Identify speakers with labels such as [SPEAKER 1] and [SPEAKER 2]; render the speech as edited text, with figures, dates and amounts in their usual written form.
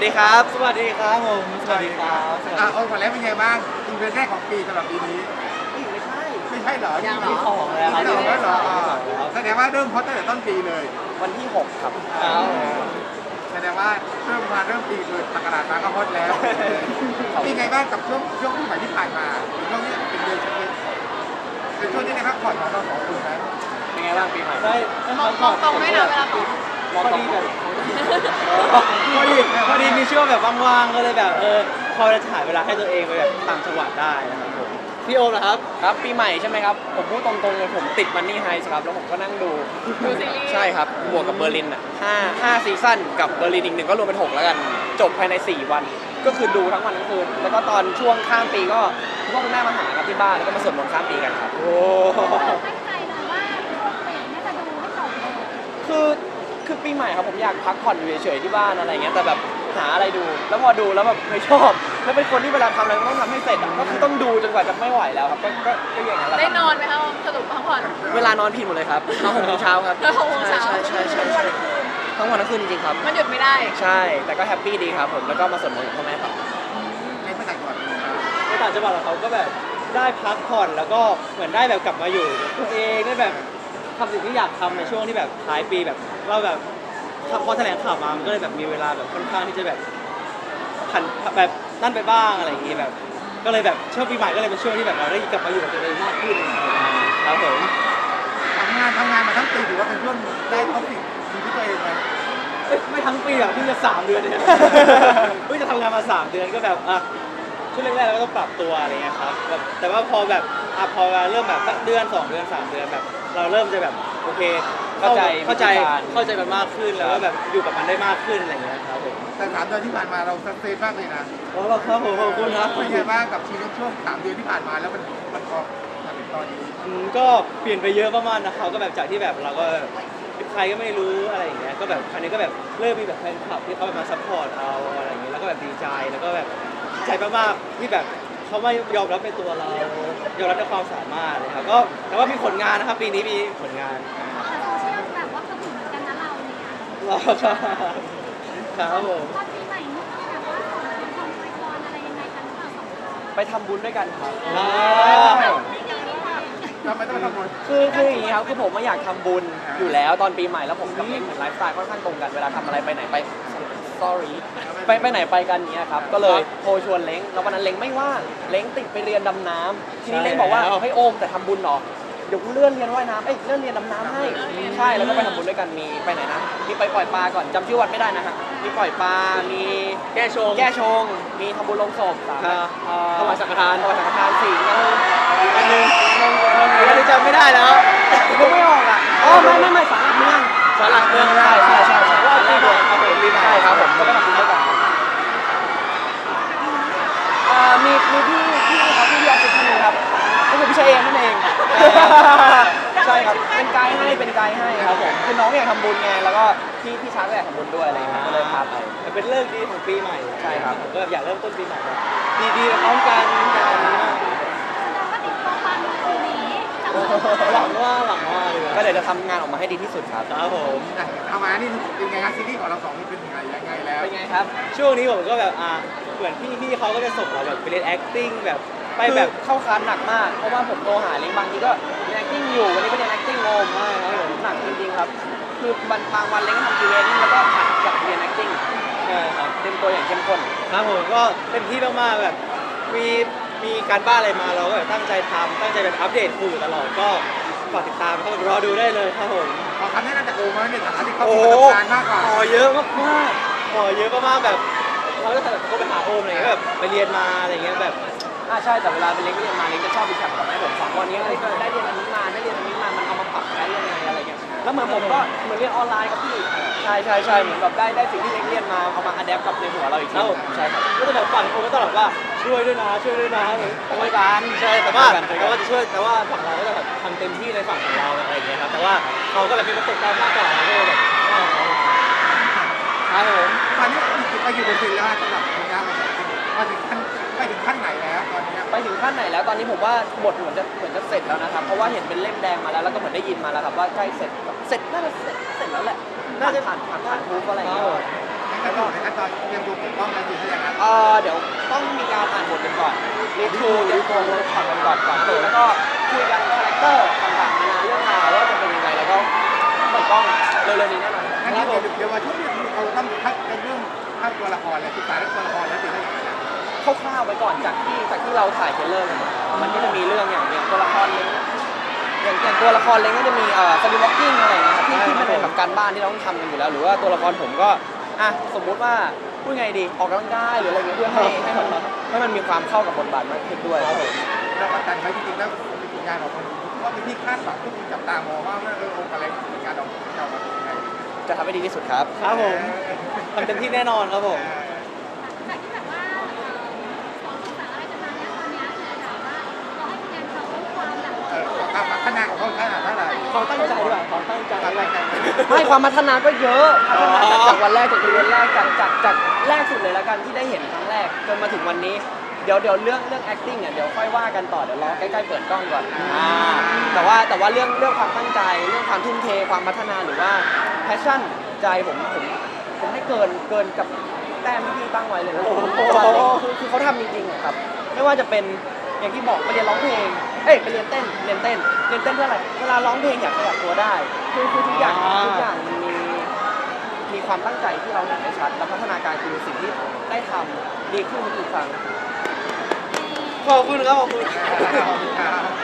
[SPEAKER 1] ดีครับสวัสดีครับผมสวัสดีครับ
[SPEAKER 2] โอ้ก่อนแล้วเป็นไงบ้างอีเวนต์แรกของปีสำหรับปีนี้ไม่ใช่เหรอยัง
[SPEAKER 1] ที่ของแล้ว
[SPEAKER 2] ไม่
[SPEAKER 1] ที่
[SPEAKER 2] เหรอเหรอ
[SPEAKER 1] แล้ว
[SPEAKER 2] แสดงว่าเริ่มฮอตตั้งแต่ต้นปีเลย
[SPEAKER 1] วันที่6ครับ
[SPEAKER 2] แสดงว่าเริ่มปีคือศักราชมาก็ฮอตแล้วเป็นไงบ้างกับช่วงปีใหม่ที่ผ่านมาช่วงนี้เป็นเดือนเป็นช่วงที่ได้พักผ่อนของเราสองคนไหม
[SPEAKER 1] เป็นไงบ้างปีใหม่
[SPEAKER 3] ม
[SPEAKER 1] ได้
[SPEAKER 3] องตรงไหมนะเวลาตอบ
[SPEAKER 1] มองตรงแบบพอดีมีช่วงแบบว่างๆก็เลยแบบพอจะถ่ายเวลาให้ตัวเองไปแบบต่างจังหวัดได้นะครับผมพี่โอมนะครับครับปีใหม่ใช่ไหมครับผมพูดตรงๆเลยผมติดมันนี่ไฮส์ครับแล้วผมก็นั่งดู
[SPEAKER 3] ดูซีรีส์
[SPEAKER 1] ใช่ครับบวกกับเบอร์ลินอ่ะ5ซีซั่นกับเบอร์ลินอีกหนึ่งก็รวมเป็น6แล้วกันจบภายใน4วันก็คือดูทั้งวันทั้งคืนแล้วก็ตอนช่วงข้ามปีก็คุณพ่อคุณแม่มาหาครับที่บ้านแล้วก็มาสวดมนต์ข้ามปีกันครับโอ้
[SPEAKER 4] ตั้งใจเลยว่าช่วงปีน่าจะดูให้จบเลย
[SPEAKER 1] คือปีใหม่ครับผมอยากพักผ่อนอยู่เฉยๆที่บ้านอะไรเงี้ยแต่แบบหาอะไรดูแล้วพอดูแล้วแบบไม่ชอบแล้วเป็นคนที่เวลาทำอะไรต้องทำให้เสร็จอะก็คือต้องดูจนกว่าจะไม่ไหวแล้วครับก็อย่างนั้นแหละ
[SPEAKER 3] ได้
[SPEAKER 1] ครับ
[SPEAKER 3] นอนไหมคะสรุปพักผ่อน
[SPEAKER 1] เวลานอนผิดหมดเลยครับนอน6 โมงเช้าครับ
[SPEAKER 3] นอน6 โมงเช้า
[SPEAKER 1] ใช่ทั้งวันทั้งคืนจริงๆครับ
[SPEAKER 3] มันหยุดไม่ได้
[SPEAKER 1] ใช่แต่ก็แฮปปี้ดีครับผมแล้วก็มาสวดมนต์กับพ่อแม่ต่อ
[SPEAKER 2] ในเมื่อไหร่ก่อน
[SPEAKER 5] ในต่างจังหวัดของเขาก็แบบได้พักผ่อนแล้วก็เหมือนได้แบบกลับมาอยู่ตัวเองได้แบบทำสิ่งที่อยากทำในช่วงที่แบบท้ายปีแบบเราแบบพอแถลงข่าวมามันก็เลยแบบมีเวลาแบบค่อนข้างที่จะแบบผันแบบนั่นไปบ้างอะไรอย่างงี้แบบก็เลยแบบช่วงปีใหม่ก็เลยเป็นช่วงที่แบบเราได้กลับมาอยู่กับตัวเองมากขึ้นครับผม
[SPEAKER 2] ทำงานมาทั้งปีถือว่าเป็นช่วงได้ท็อปสิ่งที่ตัวเองไหม
[SPEAKER 5] ไม่ทั้งปีหรอกเพิ่งจะ3 เดือนเนี่ยเพิ่งจะทำงานมา3 เดือนก็แบบช่วงแรกๆเราก็ต้องปรับตัวอะไรเงี้ยครับแบบแต่ว่าพอแบบพอเริ่มแบบสักเดือน2 เดือน3 เดือนแบบเราเริ่มจะแบบโอเคเข้าใจมันมากขึ้นแล้วก็แบบอยู่กับมันได้มากขึ้นอะไรเงี้ยครับผม
[SPEAKER 2] แต่3 เดือนที่ผ่านมาเราสักเซนมากเลยนะ
[SPEAKER 5] โอ้ครับผมขอบคุณครับ
[SPEAKER 2] เป็นไงบ้างกับชีวิตช่วง3 เดือนที่ผ่านมาแล้วมันพอมาถึงตอนนี้
[SPEAKER 5] ก็เปลี่ยนไปเยอะมากๆนะครับก็แบบจากที่แบบเราก็ใครก็ไม่รู้อะไรอย่างเงี้ยก็แบบครั้นี้ก็แบบเริ่มมีแบบแฟนคลับที่เขาแบบมาซัพพอร์ตเราอะไรอย่างเงี้ยแล้วก็แบบดีใจแล้วก็แบบดีใจมากๆที่แบบเขาไม่ยอมรับในตัวเรายอมรับในความสามารถเลยครับก็แต่ว่ามีผลงานนะครับปีนี้มีผลงาน
[SPEAKER 4] แต่โซเชียลแบบว่าก็ถึงเหมือนกันนะเราเนี่ย
[SPEAKER 5] รอครับผม
[SPEAKER 4] ตอนปีใหม่นี่แบบว่าส่งของไปพรอะไรยังไงกันหรือเปล่าสองคน
[SPEAKER 1] ไปทำบุญด้วยกันครับ
[SPEAKER 4] ไม่ดีไม่ดี
[SPEAKER 2] เราไม่ต้องมาทำบุญ
[SPEAKER 1] คืออย่างนี้ครับคือผมไม่อยากทำบุญอยู่แล้วตอนปีใหม่แล้วผมกับเองเหมือนไลฟ์สไตล์ค่อนข้างตรงกันเวลาทำอะไรไปไหนไป sorry ไปไหนไปกันเนี้ยครับก็เลยโทรชวนเล้งแล้ววันนั้นเล้งไม่ว่างเล้งติดไปเรียนดำน้ำทีนี้เล้งบอกว่าเฮ้ยโอมแต่ทำบุญเหรอเดี๋ยวกูเลื่อนเรียนว่ายน้ำเลื่อนเรียนดำน้ำให้ใช่แล้วก็ไปทำบุญด้วยกันมีไปไหนนะมีไปปล่อยปลาก่อนจำชื่อวัดไม่ได้นะฮะมีปล่อยปลามีแก้ชงมีทำบุญลงศพถวายสังฆทาน4อันนึงอันนี้จำไม่ได้แล้วนึกไม่ออกอ่ะอ๋อไม่สารหลักเมืองใช่ว่าปีใหม่ครับผมปีใหม่ใช่ครับผมก็ไปทำบุญด้วยกันมีพี่ครับพี่ออฟฟิศท่านนึงครับก็คือพี่ชายเองนั่นเองใช่ครับเป็นไกด์ให้ครับผมคือน้องอยากทำบุญไงแล้วก็พี่ช้างก็อยากทำบุญด้วยอะไรอย่างเงี้ยก็เลยพาไป
[SPEAKER 5] มันเป็นเรื่องดีของปีใหม่
[SPEAKER 1] ใช่ครับ
[SPEAKER 5] ผมก็อยากเริ่มต้นปีใหม่แบบดีๆพร้อมกันแบบนี้มาก
[SPEAKER 4] แสดงว่าติดตัวฟังปีนี้จาก
[SPEAKER 5] หวังว่าเลย
[SPEAKER 1] ก็เดี๋ยวจะทำงานออกมาให้ดีที่สุดครับ
[SPEAKER 5] ครับผม
[SPEAKER 2] ทำมานี่เป็นไงครับซีรีส์ของเราสองนี่เป็นยังไงแล้ว
[SPEAKER 1] เป็นไงครับ
[SPEAKER 5] ช่วงนี้ผมก็แบบเหมือนพี่เขาก็จะส่งเราแบบไปเรียน acting แบบไป
[SPEAKER 1] ไป
[SPEAKER 5] แบ
[SPEAKER 1] แบบ บเข้าคลาสหนักมาก เพราะว่าผมโทรหาเล้งบางทีก็เรียน acting อยู่วันนี้ไปเรียน acting โอมใช่ครับผมหนักจริงๆครับ คือบางวันเล้งก็ทำ training แล้วก็ผัดกับเรียน acting
[SPEAKER 5] ใช่ครับ
[SPEAKER 1] เต็มตัวอย่างเข้มข้น
[SPEAKER 5] ครับผมก็เต็มที่มากๆแบบมีการบ้านอะไรมาเราก็แบบตั้งใจทำตั้งใจแบบอัปเดตครูอยู่ตลอดก็ฝากติดตามครับรอดูได้เลยครับผม
[SPEAKER 2] ขอคำแนะนำจากโอมาในฐานะที่เขา
[SPEAKER 5] โอ้
[SPEAKER 2] มีประสบการณ์มากกว่า
[SPEAKER 5] ขอเยอะมากๆขอเยอะมากๆแบบเราก็แบบก็ไปหาโอมอะไรเงี้ยแบบไปเรียนมาอะไรเงี้ยแบบ
[SPEAKER 1] ใช่แต่เวลาเป็นเล้งเรียนมาเล้งจะชอบไปแข่งกับให้ผมฟังวันนี้ได้เรียนอันนี้มามันเอามาปรับใช้ยังไงอะไรเงี้ยแล้วเหมือนผมก็เหมือนเรียนออนไลน์ครับพี่ใช่เหมือนแบบได้สิ่งที่เล้งเรียนมาเอามาอัดแอปกับในหัวเราอีกทีใช่ครับ
[SPEAKER 5] ก็จะแบบฝั่งโอมก็ตลอดว่าช่วยด้วยนะช่วยกันใช่แต่ว่าจะช่วยแต่ว่าฝั่งเราก็จะแบบทำเต็มที่ในฝั่งของเราอะไรอย่างเงี้ยครับแต่ว่าเขาก็แบบมีประสบการณ์มากกว่าเราก็เลยแบบครับผม
[SPEAKER 2] ตอนนี้ไปอยู่บนเซนแล้วสำหรับผลงานเราไปถึงขั้นไหนแล้วตอนนี้
[SPEAKER 1] ไปถึงขั้นไหนแล้วตอนนี้ผมว่าบทเหมือนจะเสร็จแล้วนะครับเพราะว่าเห็นเป็นเล่มแดงมาแล้วแล้วก็เหมือนได้ยินมาแล้วครับว่าใกล้เสร็จน่าจะเสร็จแล้วแหละน่าจะผ่านทูบอะไรอย่างเงี้ย
[SPEAKER 2] แล้วก็ในขั้นตอนเตรียมตัวเปิดกล้องแล้วจริงๆอย่างนั้น
[SPEAKER 1] เดี๋ยวต้องมีการอ่านบทกันก่อนรีทูเตรียมตัวเวิร์กช็อปกันก่อนแล้วก็คุยกันคาแรคเตอร์ต่างๆนานาเรื่องราวว่าจะเป็นยังไงแล้วก็เปิดกล้องเร็วๆนี้แน่นอน
[SPEAKER 2] งั้นเดี๋ยววันช่วงนี้เราต้องคัดกันเรื่องภาพตัวละครและศึกษาเรื่องตัวละครแล้วจริงๆอย่างนั้น
[SPEAKER 1] คร่าวๆไปก่อนจากที่เราถ่ายเทรลเลอร์กันมามันก็จะมีเรื่องอย่างตัวละครเล้งอย่างตัวละครเล้งก็จะมีสวิมวอล์กกิ้งอะไรอย่างเงี้ยครับที่มันเป็นแบบการบ้านที่เราต้องทำกันอยู่แล้ว หรือว่าตัวละครผมก็สมมุติว่าพูดไงดีออกกำลังกายหรืออะไรเงี้ยเพื่อให้มันมีความเข้ากับบทบาทมากขึ้นด้วยครับผม
[SPEAKER 2] เราประกันไว้จริงๆแล้วผลงานของคนว่าเป็นที่คาดหวังทุกคนจับตามองว่าองค์อะไรผลงานของเรามาเป็นยังไง
[SPEAKER 1] จะทำให้ดีที่สุดครับ
[SPEAKER 5] ครับผมทำเต็มที่แน่นอนครับผม
[SPEAKER 4] จากที่แบบว่าสอนภาษาอะไรกันมาเนี่ยตอนเนี้ยคือถามว่าเราให้คะแนนเขาความแบบ
[SPEAKER 2] ความพัฒนาของเขาขนาดเท่าไหร่
[SPEAKER 5] ความตั้งใจด้วยความตั้งใจ
[SPEAKER 2] อะไรกัน
[SPEAKER 1] ไม่ความพัฒนาก็เยอะพัฒนาจากวันแรกจากเดือนแรกจากแรกสุดเลยแล้วกันที่ได้เห็นครั้งแรกจนมาถึงวันนี้เดี๋ยวเรื่อง acting เดี๋ยวค่อยว่ากันต่อเดี๋ยวรอใกล้ๆเปิดกล้องก่อนแต่ว่าเรื่องความตั้งใจเรื่องความทุ่มเทความพัฒนาหรือว่า passion ใจผมให้เกินกับแต้มที่พี่ตั้งไว้เลยนะคือเขาทำจริงๆครับไม่ว่าจะเป็นอย่างที่บอกไปเรียนร้องเพลงไปเรียนเต้นเพื่ออะไรเวลาร้องเพลงอยากขยับตัวได้คือทุกอย่างมันมีความตั้งใจที่เราเห็นได้ชัดและพัฒนาการคือสิ่งที่ได้ทำดีขึ้นทุกครั้ง
[SPEAKER 5] ขอบคุณครับขอบคุณ
[SPEAKER 2] ครับ